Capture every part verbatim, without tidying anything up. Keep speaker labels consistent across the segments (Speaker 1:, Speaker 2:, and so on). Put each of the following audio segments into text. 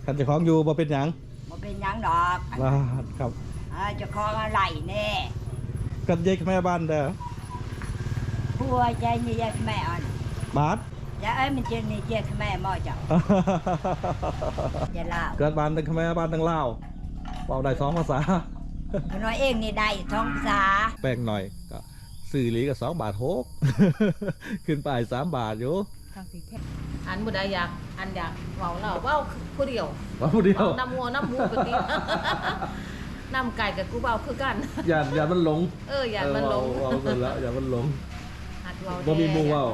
Speaker 1: ขันเจ้าของอยู่บ่เป็นหยัง
Speaker 2: บ่เป็นหยังดอก
Speaker 1: ว่าครับ
Speaker 2: เจ้าของอะไรแน่
Speaker 1: กันยายแม่บ้านเด้อ
Speaker 2: ผัวใจนี่ยายแม่อ่อน
Speaker 1: บาท
Speaker 2: อย่าเอ้ยมันเจนนี่ยายแม่บ่จ้ะอย่าเล่า
Speaker 1: เกิดบ้านตั้งแม่บ้านตั้งลาวเว้าได้สองภาษา
Speaker 2: น้อยเองนี่ได้สองภาษา
Speaker 1: แป้งหน่อยก็ซื้อหลีก็สองบาทหกขึ้นไปสามบาทอยู่
Speaker 3: อันบุได้อยากอันอยากเว้าเราเว้าผู้เดียว
Speaker 1: เว้าผู้เดียว
Speaker 3: น้ำมัวน้ำมูกติน้ำไก่กับกูเว้าคือกัน
Speaker 1: อย่าอย่ามันหลง
Speaker 3: เอออย่ามันหลง
Speaker 1: เว้ากันแล้วอย่ามันหลง
Speaker 3: บ่
Speaker 1: มีมูเว้า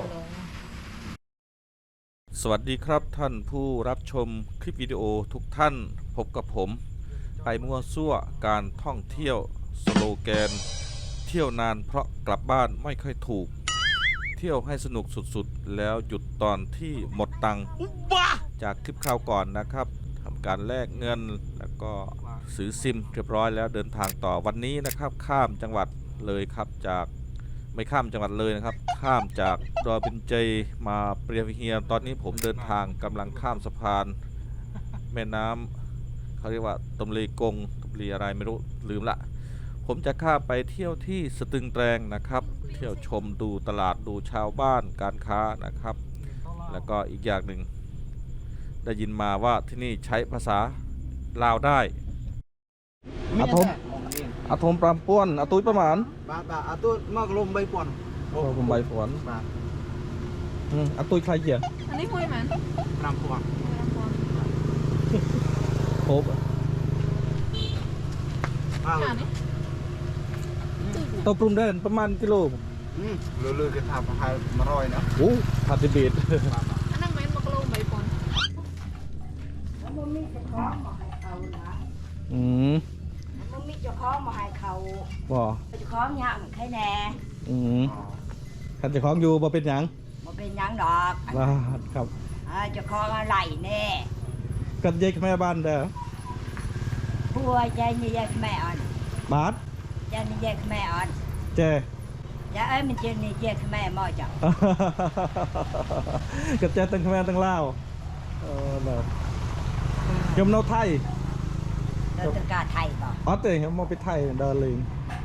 Speaker 1: สวัสดีครับท่านผู้รับชมคลิปวิดีโอทุกท่านพบกับผมไปมั่วซั่วการท่องเที่ยวสโลแกนเที่ยวนานเพราะกลับบ้านไม่ค่อยถูกเที่ยวให้สนุกสุดๆแล้วหยุดตอนที่หมดตังค์จากคลิปคราวก่อนนะครับทำการแลกเงินแล้วก็ซื้อซิมเรียบร้อยแล้วเดินทางต่อวันนี้นะครับข้ามจังหวัดเลยครับจากไม่ข้ามจังหวัดเลยนะครับข้ามจากดอยเบญจมาเปรียเฮียตอนนี้ผมเดินทางกำลังข้ามสะพานแม่น้ำเขาเรียกว่าตมลีกงตมลีอะไรไม่รู้ลืมละผมจะข้ามไปเที่ยวที่สตึงแตรงนะครับเที่ยวชมดูตลาดดูชาวบ้านการค้านะครับแล้วก็อีกอย่างหนึ่งได้ยินมาว่าที่นี่ใช้ภาษาลาวได้อาทมอาทมปรามป้วนอาตุ้ยประมาณ
Speaker 4: บาบาอาตุ้ยมากลมใบป่วน
Speaker 1: โอ้ผมใบฝนอืมอาตุ้ยใครเกี่ย
Speaker 3: อันนี้คุยมัน
Speaker 4: ปรามป่วน
Speaker 1: ครบตัวปรุงได้ประมาณกิโล
Speaker 4: อืมเลือๆจะทำให้มาร่อยนะ
Speaker 1: โอ้ผัดดิบด
Speaker 3: อันนั้นมันมากลมใบป่วน
Speaker 2: มันมีเจ้าของมาให้เขานะ
Speaker 1: อืม
Speaker 2: มันมีเจ้าของมาให้เขา
Speaker 1: บ่
Speaker 2: เจ้าของยังแค่แน่
Speaker 1: อืมขันเจ้าของอยู่บ่เป็นหยัง
Speaker 2: บ่เป็นหยังดอก
Speaker 1: ว่าครับ
Speaker 2: เจ้าของอะไรแน่
Speaker 1: กันยายแม่บ้านเด้อ
Speaker 2: ผัวใจนี่ยายแม่อ่อน
Speaker 1: บาท
Speaker 2: ใจนี่ยายแม่อ่อน
Speaker 1: เจ
Speaker 2: อย่าเอ้ยมันเจนนี่ยายแม่บ่จ้ะ
Speaker 1: กันเจตั้งแม่ตั้งลาวเออเนาะยมโนไทย
Speaker 2: เดินตะกาไทยบ่
Speaker 1: อ๋อเตะยมไปไทยเดินลิง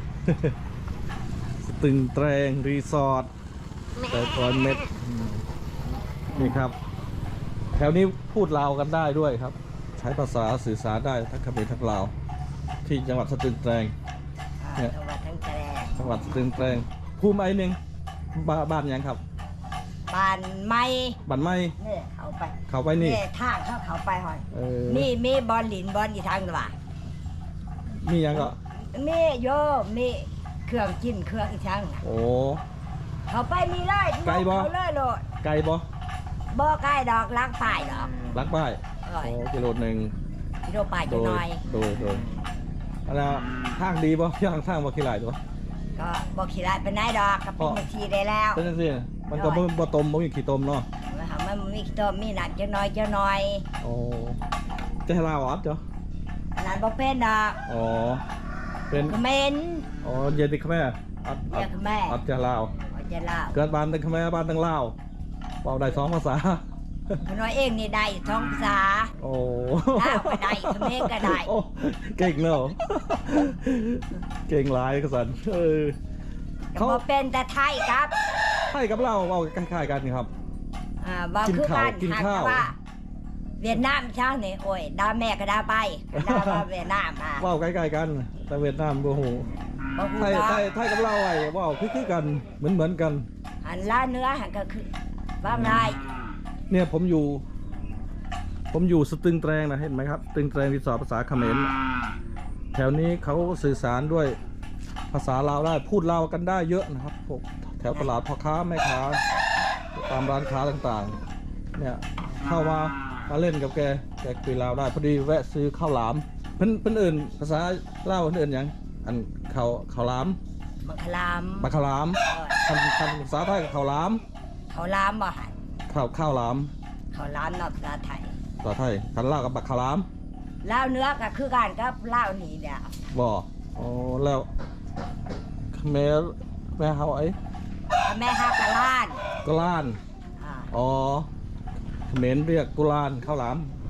Speaker 1: สตึงแตรงรีสอร์ทแต่ก่อนเม็ดนี่ครับแถวนี้พูดลาวกันได้ด้วยครับใช้ภาษาสื่อสารได้ทั้งเขมรทั้งลาวที่จังหวัดสตึงแตรง
Speaker 2: เนี่ยจังหวัดสตึงแตรง
Speaker 1: จังหวัดสตึงแตรงภูมิไอ้หนึ่งบ้านยังครับ
Speaker 2: บ้านไม้
Speaker 1: บ้านไม้
Speaker 2: นี่เข้าไป
Speaker 1: เข้าไปนี่
Speaker 2: นี่ทางเข้าเข้าไปหอยนี่มีบอลหลินบอลอีทางหรือเปล่า
Speaker 1: มียังก็
Speaker 2: มีโยมีเครื่องกินเครื่องอีทาง
Speaker 1: โอ้
Speaker 2: เข้าไปมีเลย
Speaker 1: ไกลบ่
Speaker 2: เลยโลด
Speaker 1: ไกลบ่
Speaker 2: บ่ใกล้ดอกล้างป้ายดอก
Speaker 1: ล้างป้ายโอ้กิโลหนึ่ง
Speaker 2: กิโลป้ายจะน้อย
Speaker 1: โดยโดยอะไรทางดีบ่ทางทางบ่ขี้ไหลตัว
Speaker 2: ก็บ่ขี้ไหลเป็นนายดอกก็เป็นทีได้แล้ว
Speaker 1: เป็นจังซี่มันก็บ่บ่ต้มบ่มีขี้ต้มเนาะ
Speaker 2: มันมีขี้ต้มมีหนักจะน้อยจะน้อย
Speaker 1: โอ้จะให้ลาวอดจ้ะ
Speaker 2: นั่นบ่เป็นดอก
Speaker 1: อ๋อเป็น
Speaker 2: เมน
Speaker 1: อ๋อเย็นดิแม่
Speaker 2: อัดอัดแม่
Speaker 1: อัดจะลาว
Speaker 2: อัดจะลาว
Speaker 1: เกิดบ้านตั้งแม่บ้านตั้งลาวเว้าได้สองภาษา
Speaker 2: น้อยเองนี่ได้สองภาษา
Speaker 1: โอ้
Speaker 2: ลาวก็ได้เขมรก็ได้
Speaker 1: เก่งเนาะเก่งหลายกษัตริย์เออ
Speaker 2: เขาเป็นแต่ไทยครับ
Speaker 1: ไทยกับเราเว้าคล้ายๆกันครับ
Speaker 2: อ่าว่าคือการกินข้าวเวียดนามเช้านี่โอ้ยดาแม่ก็ดาไปดาว่าเวียดนามอ่ะ
Speaker 1: เว้าใกล้ๆกันแต่เวียดนามบ่ฮู้ไทยไทยไทยกับเราไอ้เว้าคือๆกันเหมือนๆกัน
Speaker 2: อันละเนื้อหันก็คือว่าไร
Speaker 1: เนี่ยผมอยู่ผมอยู่สตึงแตรงนะเห็นไหมครับสตึงแตรงรีสอร์ทภาษาเขมรแถวนี้เขาสื่อสารด้วยภาษาลาวได้พูดลาวกันได้เยอะนะครับพวกแถวตลาดพ่อค้าแม่ค้าตามร้านค้าต่างๆเนี่ยเข้ามามาเล่นกับแกแกคุยลาวได้พอดีแวะซื้อข้าวหลามเพิ่นเพิ่นอื่นภาษาลาวเพิ่นอื่นอย่างอันข้าวข้าวหลาม
Speaker 2: บักขลาม
Speaker 1: บักขลามคำคำภาษาไทยข้าวหลาม
Speaker 2: ข้าวหลามบ่หัน
Speaker 1: ข้าวข้าวหลาม
Speaker 2: ข้าวหลามนอกภาษาไทย
Speaker 1: ภาษาไทยคันลาวกับบักขลาม
Speaker 2: ลาวเนื้อก็คือกันกับลาวนี่แหละ
Speaker 1: บ่อ๋อแล้วแม่แม่เฮาไอ้
Speaker 2: แม่ฮากะล้าน
Speaker 1: กุลานอ๋อเขมรเรียกกุลานข้าวหลาม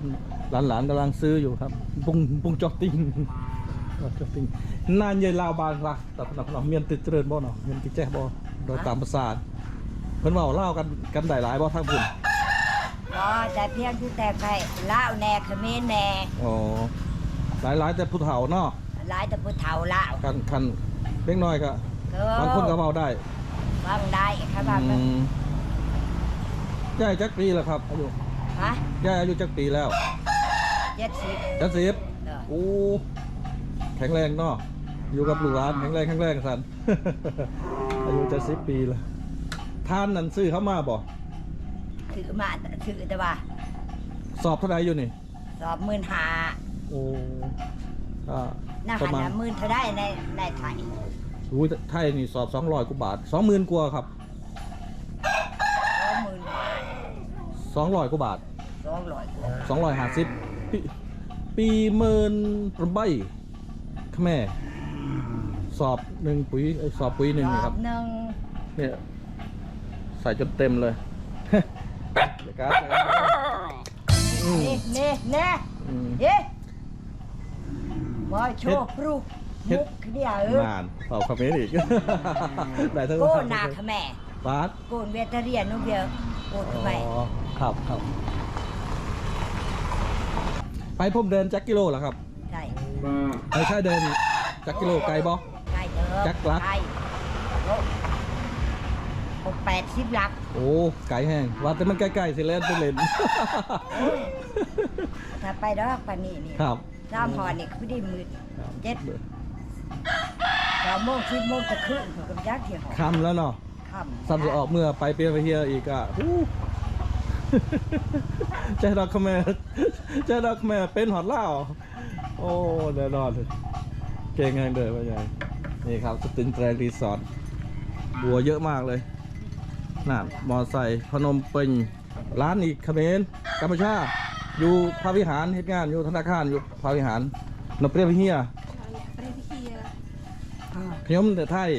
Speaker 5: หลานๆกำลังซื้ออยู่ครับปุงปุงจอกติงจอกติงนานใหญ่ลาวบานละแต่พนักพนักเมียนติดเจริญบ่เนาะเมียนติดแจ๊บ่โดยตามภาษาเพิ่นเว้าเล่ากันกันหลายๆบ่ทางพุ่น
Speaker 2: อ๋อแต่เพียงที่แต่ใครลาวแน่เขมรแน่
Speaker 5: อ๋อหลายๆแต่ผู้เฒ่าเนาะ
Speaker 2: หลายแต่ผู้เฒ่าลาว
Speaker 5: กันคันเล็กน้อยก็
Speaker 2: เออบ
Speaker 5: างคนก็เว้าได้
Speaker 2: ฟังได้ครับว่า
Speaker 5: อืมยายจักปีแล้วครับอายุ
Speaker 2: ฮะ
Speaker 5: ยายอายุจักปีแล้ว
Speaker 2: เจ็ดสิบ
Speaker 5: จักสิบ
Speaker 2: เออ
Speaker 5: โอ้แข็งแรงเนาะอยู่กับลูกหลานแข็งแรงแข็งแรงสัน อายุจะสิบปีแล้วทานนั่นซื้อเข้ามาบ่
Speaker 2: ถือมาถือแต่ว่า
Speaker 5: สอบเท่าไหร่อยู่นี่
Speaker 2: สอบหมื่นหา
Speaker 5: โอ้ก็
Speaker 2: หน้า
Speaker 5: ประ
Speaker 2: หัน
Speaker 5: มาณ
Speaker 2: น่ะหมื่นเท่าได้ในในไทย
Speaker 5: อุ้ยไทยนี่สอบสองร้อยกว่าบาทสองหมื่นกว่าครับ
Speaker 2: สองหมื่น
Speaker 5: สองร้อยกว่าบาท
Speaker 2: สองร้อย
Speaker 5: สองร้อยห้าสิบปีปีหมื่นประใบขแม่สอบหนึ่งปุ๋ยเอ้ยสอบปุ๋ยหนึ่งนี่ครับ
Speaker 2: หนึ่ง
Speaker 5: เนี่ยใส่จนเต็มเลย เดี๋ยวการ์ดอืม
Speaker 2: นี่นี่นี่
Speaker 5: อืม
Speaker 2: เย้มาโชว์ปรูก
Speaker 5: เฮ็
Speaker 2: มุ
Speaker 5: ด
Speaker 2: กเดียวเออน
Speaker 5: านเป่าคอมเมนต์อีก ได้ทั้ง
Speaker 2: โกนาขแม่
Speaker 5: บาส
Speaker 2: โกนเวทเรียนนุ่เบียโกน
Speaker 5: อ๋
Speaker 2: ไป
Speaker 5: อครับครับไปผมเดินจักกิโลเหรอครับ
Speaker 2: ใช่
Speaker 5: ไม่ใช่เดินจักกิโลไกลบ่
Speaker 2: ใช่เด้อ
Speaker 5: จักรลัก
Speaker 2: ใช่โอ้หกแปดสิบลัก
Speaker 5: โอ้ไกลแห้งว่าแต่มันใกล้ๆสิเล่นไปเล่น
Speaker 2: ถ้าไปดอกปานนี้นี่
Speaker 5: ครับ
Speaker 2: สามพอนี่คือได้มืด
Speaker 5: ครับ
Speaker 2: เจ็ดเก้าโมงสิบโมงจะขึ้นถึงกับยักษ์ที่หอ
Speaker 5: คำแล้วเนาะ
Speaker 2: ค่ำ
Speaker 5: ซ้ำจะออกเมื่อไปเปลี่ยนไปเฮียอีกอ่ะ อู้ ใจดอกขแม่ใจดอกขแม่เป็นหอดเหล้าโอ้แน่นอนเลยเก่งแรงเด้อพ่อใหญ่นี่ครับสตินแตรรีสอร์ทบัวเยอะมากเลยน่ะมอไซค์พนมเปญร้านอีกเขมรกัมพูชาอยู่พระวิหารเฮ็ดงานอยู่ธนาคารอยู่พระวิหารนบเปรียบเฮียขยมแต่ไทย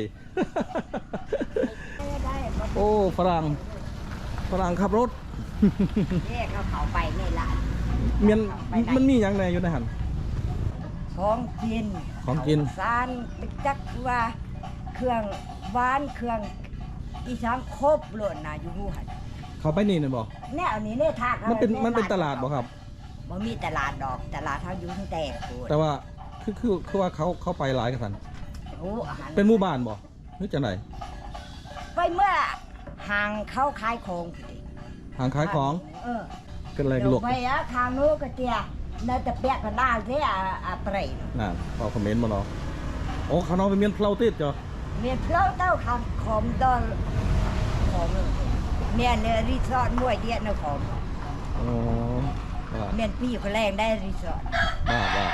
Speaker 2: ได้มา
Speaker 5: โอ้ฝรั่งฝรั่งขับรถ
Speaker 2: เรียกเขาเขาไปนี่ละ
Speaker 5: เมียนมันมีอย่างไรอยู่ในหัน
Speaker 2: ของกิน
Speaker 5: ของกิน
Speaker 2: สารไปจักว่าเครื่องหวานเครื่องอีสานครบหล่นนะอยู่หูหัน
Speaker 5: เขาไปนี่เนี่ยบอก
Speaker 2: แนวนี้เนี่ยทาก
Speaker 5: มันเป็นมันเป็นตลาดบอกครับ
Speaker 2: บ่มีตลาดดอกตลาดเท่าอยู่ตั้งแต่โคตร
Speaker 5: แต่ว่าคือคือคือว่าเขาเขาไปหลายกันสัน
Speaker 2: โอ้อาหาร
Speaker 5: เป็นหมู่บ้านบอกหรือจะไหน
Speaker 2: ไปเมื่อห่างเข้าขายของ
Speaker 5: ห่างขายของ
Speaker 2: เออ
Speaker 5: กันแรง
Speaker 2: เดี๋
Speaker 5: หล
Speaker 2: ยว
Speaker 5: ก
Speaker 2: ไปอะทางโน้นก็เตียน่าจะเปียกกันได้เสียอะเปรย์
Speaker 5: น่ะเอาคอมเมนต์มาเนาะโอ้เขาน้องเป็นเมียนเพลาติดจ้ะ
Speaker 2: เมียนเพลาเต้าคำขอมตอนขอมเมียนเนี่ยรีสอร์ทมวยเดียนนะขอม
Speaker 5: อ๋อบ้า
Speaker 2: เมียนพี่คนแรงได้รีสอร์ท
Speaker 5: บ้าบ้า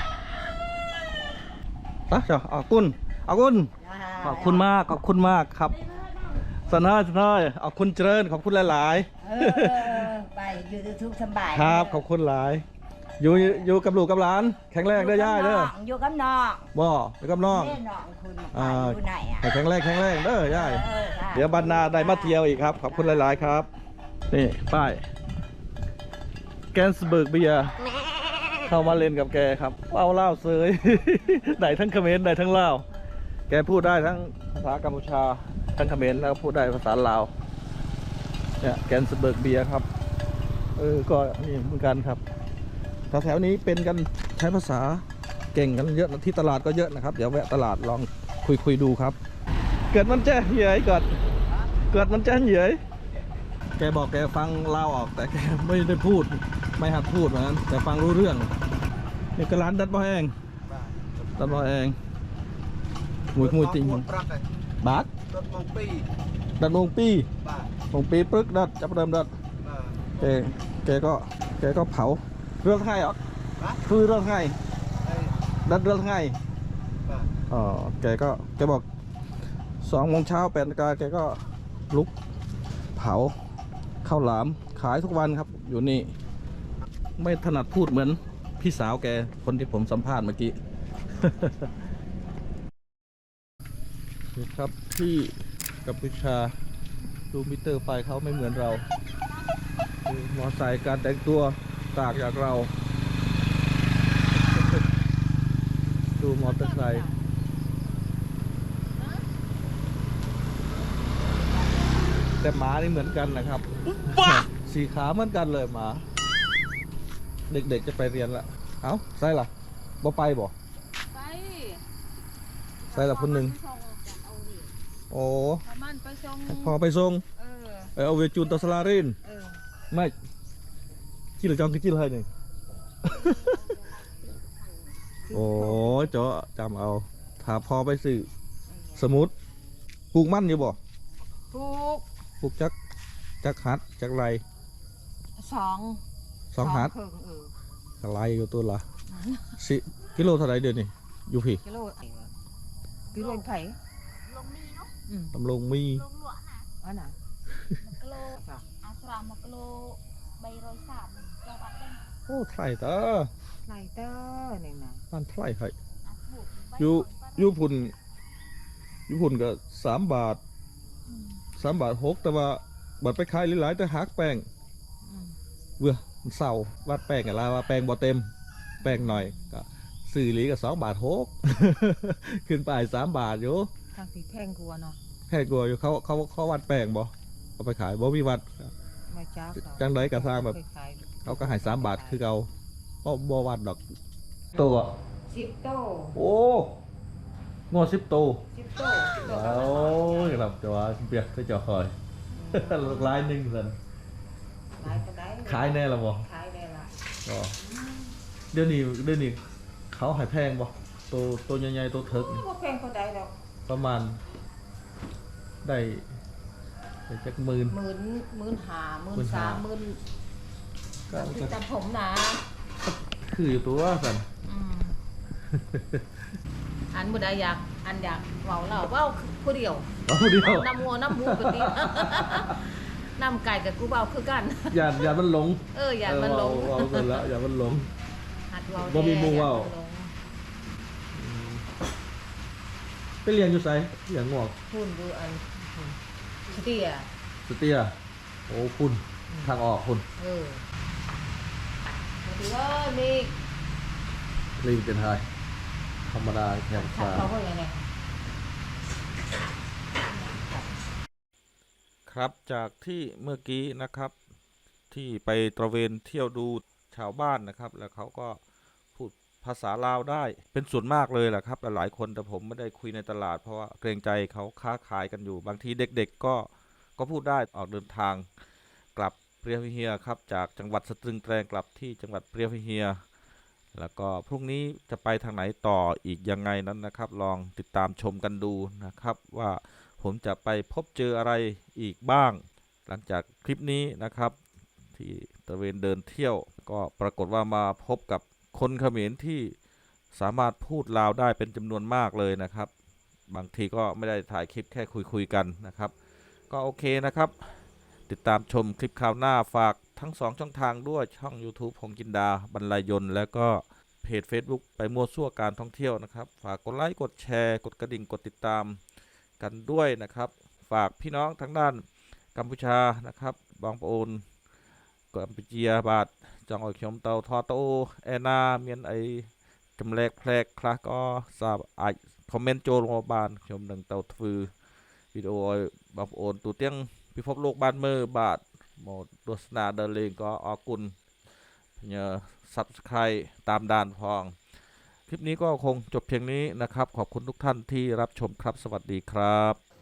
Speaker 5: ปะจ้ะเอาคุณเอาคุณขอบคุณมากขอบคุณมากครับสนายสนายเอาคุณเจริญขอบคุณหลาย
Speaker 2: เออไปอยู่ทุกข์สบาย
Speaker 5: ๆครับขอบคุณหลาย อยู่อยู่กับลูกกับหลาน แข็งแรงเด้อย่ายเด้อ
Speaker 2: อยู่กับน้อง
Speaker 5: บ่อยู่กับน้อง
Speaker 2: แม่น้องคุณ
Speaker 5: อ่า
Speaker 2: อยู่ไหนอ่ะ
Speaker 5: ให้แข็งแรงแข็งแรงเด้อย่าย
Speaker 2: เออค่ะ
Speaker 5: เดี๋ยวบรรณาได้มาเที่ยวอีกครับ ขอบคุณหลาย ๆ ครับ นี่ป้ายแกนสเบิร์กเบียร์เข้ามาเล่นกับแกครับเล่าเล่าเซย ได้ทั้งเขมรได้ทั้งลาวแกพูดได้ทั้งภาษากัมพูชาทั้งเขมรแล้วก็พูดได้ภาษาลาวเนี่ยแกนสเบิร์กเบียร์ครับเออก็นี่เหมือนกันครับแถวๆนี้เป็นกันใช้ภาษาเก่งกันเยอะที่ตลาดก็เยอะนะครับเดี๋ยวแวะตลาดลองคุยคุยดูครับ เกิดมันแจ้เหยยเกิดเกิดมันแจ้เหยยแกบอกแกฟังลาวออกแต่แกไม่ได้พูดไม่หัดพูดเหมือนกันแต่ฟังรู้เรื่องนี่ก็ร้านดัดบ่อแองดัดบ่อแองมวยมวยจริง
Speaker 4: หมดปรักเลย
Speaker 5: บาท
Speaker 4: รถมองปี
Speaker 5: ดัดมงปี
Speaker 4: บ้าน
Speaker 5: มงปีปึกดัดจับเดิมดัด
Speaker 4: บ้าน
Speaker 5: แกแกก็แกก็เผาเรื่องไห้ออก
Speaker 4: บ้าน
Speaker 5: คือเรื่องไห้
Speaker 4: ไอ้
Speaker 5: ดัดเรื่องไห้
Speaker 4: บ้าน
Speaker 5: อ๋อแกก็แกบอกสองโมงเช้าแปดนาฬิกาแกก็ลุกเผาข้าวหลามขายทุกวันครับ อยู่นี่ ไม่ถนัดพูดเหมือนพี่สาวแกคนที่ผมสัมภาษณ์เมื่อกี้ ครับที่กัมพูชาดูมิเตอร์ไฟเขาไม่เหมือนเราดูมอไซค์การแต่งตัวต่างจากเรามอเตอร์ไซค์แต่หมานี่เหมือนกันนะครับสีขาเหมือนกันเลยหมา เด็กๆจะไปเรียนละเอ้าใช่ล่ะบ่ไปบ่
Speaker 3: ไป
Speaker 5: ใช่ล่ะคนหนึ่งโอ้
Speaker 3: ประมาณไปส่ง
Speaker 5: พอไปส่ง
Speaker 3: เออ
Speaker 5: เออเอาเวจูนตอสลาริน
Speaker 3: เออ
Speaker 5: ไม่จิลจองคือจิลให้หนึ่ง โอ้ยเจ้าจำเอาถ้าพอไปสื่อสมุดปลูกมันอยู่บ่
Speaker 3: ถูก
Speaker 5: ปลูกจักจักหัดจักไร
Speaker 3: สอง
Speaker 5: สองหัด
Speaker 3: ครึ่งเออ
Speaker 5: จักไรอยู่ตัวละสิกิโลเท่าไรเดือนนี่อยู่พี่
Speaker 3: กิโลกิโลไผ่
Speaker 5: ตำลงมี
Speaker 3: อันน่ะ
Speaker 6: กิโลอาสรามกิโลใบร้อยสามจังหวัดเด้ง
Speaker 5: โอ้ไทยเตอ
Speaker 3: ไลเตอร์นี่นะ
Speaker 5: บ้านไทยให้
Speaker 6: อาสบุกใบ
Speaker 5: อยู่
Speaker 6: ร้อย
Speaker 5: อยู่พุ่นอยู่พุ่นก็สามบาทสามบาทหกแต่ว่าบัดไปขายหลายๆแต่หักแป้ง
Speaker 3: อืม
Speaker 5: เบื่อมันเศร้าวัดแป้งอะลาว่าแป้งบ่เต็มแป้งหน่อยก็ซื้อหลีก็สองบาทหก ขึ้นไปสามบาทอยู่
Speaker 3: ทางที่แพงกว่าเนาะ
Speaker 5: แค่กลัวอยู่เขาเขาเขาวัดแป้งบ่เอาไปขายบ่มีวัด
Speaker 3: ไม่จ้า
Speaker 5: จังไดกระทางแบบ เขาก็ให้สามบาทคือเขาบ่บ่วัดดอกตัว
Speaker 3: สิบโต
Speaker 5: โอ้งอสิบโต
Speaker 3: สิบโตสิบโต
Speaker 5: โอ้ยครับจะว่าเปียกก็จะคอย ลูกลายหนึ่งสัน
Speaker 3: ขายก็ได้
Speaker 5: ขายแน่ละบ่
Speaker 3: ขายได้ละ
Speaker 5: ก็เดี๋ยวนี้เดี๋ยวนี้เขาใหายแพงบ่ตัวตัวใหญ่ๆตัวเถิกนี่
Speaker 3: ว่าแพงก็ได้ดอก
Speaker 5: ประมาณ ได้ได้จักหมื่น
Speaker 3: หมื่นหมื่นห้าหมื่
Speaker 5: หมื่
Speaker 3: น
Speaker 5: น
Speaker 3: สา
Speaker 5: ห้า
Speaker 3: มหมื่น
Speaker 5: ก็
Speaker 3: ติด
Speaker 5: ก็
Speaker 3: ตามผมนะ
Speaker 5: คืออยู่ตัวสัน
Speaker 3: อืมอันบุได้อยากอันอยากเว้าเราเว้าผู้เดียว
Speaker 5: เอาผู้เดียว
Speaker 3: น้ำงัวน้ำหมูกันดี น้ำไก่กับกูเบาคือกัน
Speaker 5: อย่าอย่ามันหลง
Speaker 3: เอออย่ามันหลง
Speaker 5: เออเอาเอากันแล้วอย่ามันหลง
Speaker 3: หัดเว้า
Speaker 5: บ่มีหมู่เว้า
Speaker 3: อย่นหลง
Speaker 5: ไปเรียนอยู่ไสเรียนงอก
Speaker 3: พูนดูอันสเตีย
Speaker 5: สเตียโอ้คุณทางออกคุณ
Speaker 3: เออมาดูว่ามี
Speaker 5: ลิงเป็นไทยธรรมดาแข่ง
Speaker 3: ขัด
Speaker 5: ฟ้า
Speaker 3: เขาก็ยังไง
Speaker 1: ครับจากที่เมื่อกี้นะครับ ที่ไปตระเวนเที่ยวดูชาวบ้านนะครับ แล้วเขาก็พูดภาษาลาวได้เป็นส่วนมากเลยแหละครับหลายๆคนแต่ผมไม่ได้คุยในตลาดเพราะว่าเกรงใจเขาค้าขายกันอยู่ บางทีเด็กๆก็ก็พูดได้ออกเดินทางกลับเปรียวพิเฮียครับจากจังหวัดสตรึงแตรงกลับที่จังหวัดเปรียวพิเฮียแล้วก็พรุ่งนี้จะไปทางไหนต่ออีกยังไงนั้นนะครับ ลองติดตามชมกันดูนะครับว่าผมจะไปพบเจออะไรอีกบ้าง หลังจากคลิปนี้นะครับที่ตระเวนเดินเที่ยวก็ปรากฏว่ามาพบกับคนเขมรที่สามารถพูดลาวได้เป็นจำนวนมากเลยนะครับ บางทีก็ไม่ได้ถ่ายคลิปแค่คุยๆกันนะครับ ก็โอเคนะครับ ติดตามชมคลิปคราวหน้าฝากทั้งสองช่องทางด้วยช่อง YouTube พงจินดาบรรลัยยนต์แล้วก็เพจ Facebook ไปมั่วซั่วการท่องเที่ยวนะครับฝากกดไลค์กดแชร์กดกระดิ่งกดติดตามกันด้วยนะครับ ฝากพี่น้องทั้งด้านกัมพูชานะครับบางปะโอนกัมพูชีบาทจองออกชมเตาทอโตแอนาเมียนไอจำแลกแพลกคลาก็ทราบอาจคอมเมนต์โจลงมาบานชมหนึ่งเตาฟือวิดีโอบางปะโอนตัวเตียงพิภพโลกบ้านเมื่อบาทหมดโฆษณาเดินเลงก็ออกกุลเนซับสไครตามด่านพองคลิปนี้ก็คงจบเพียงนี้นะครับขอบคุณทุกท่านที่รับชมครับสวัสดีครับ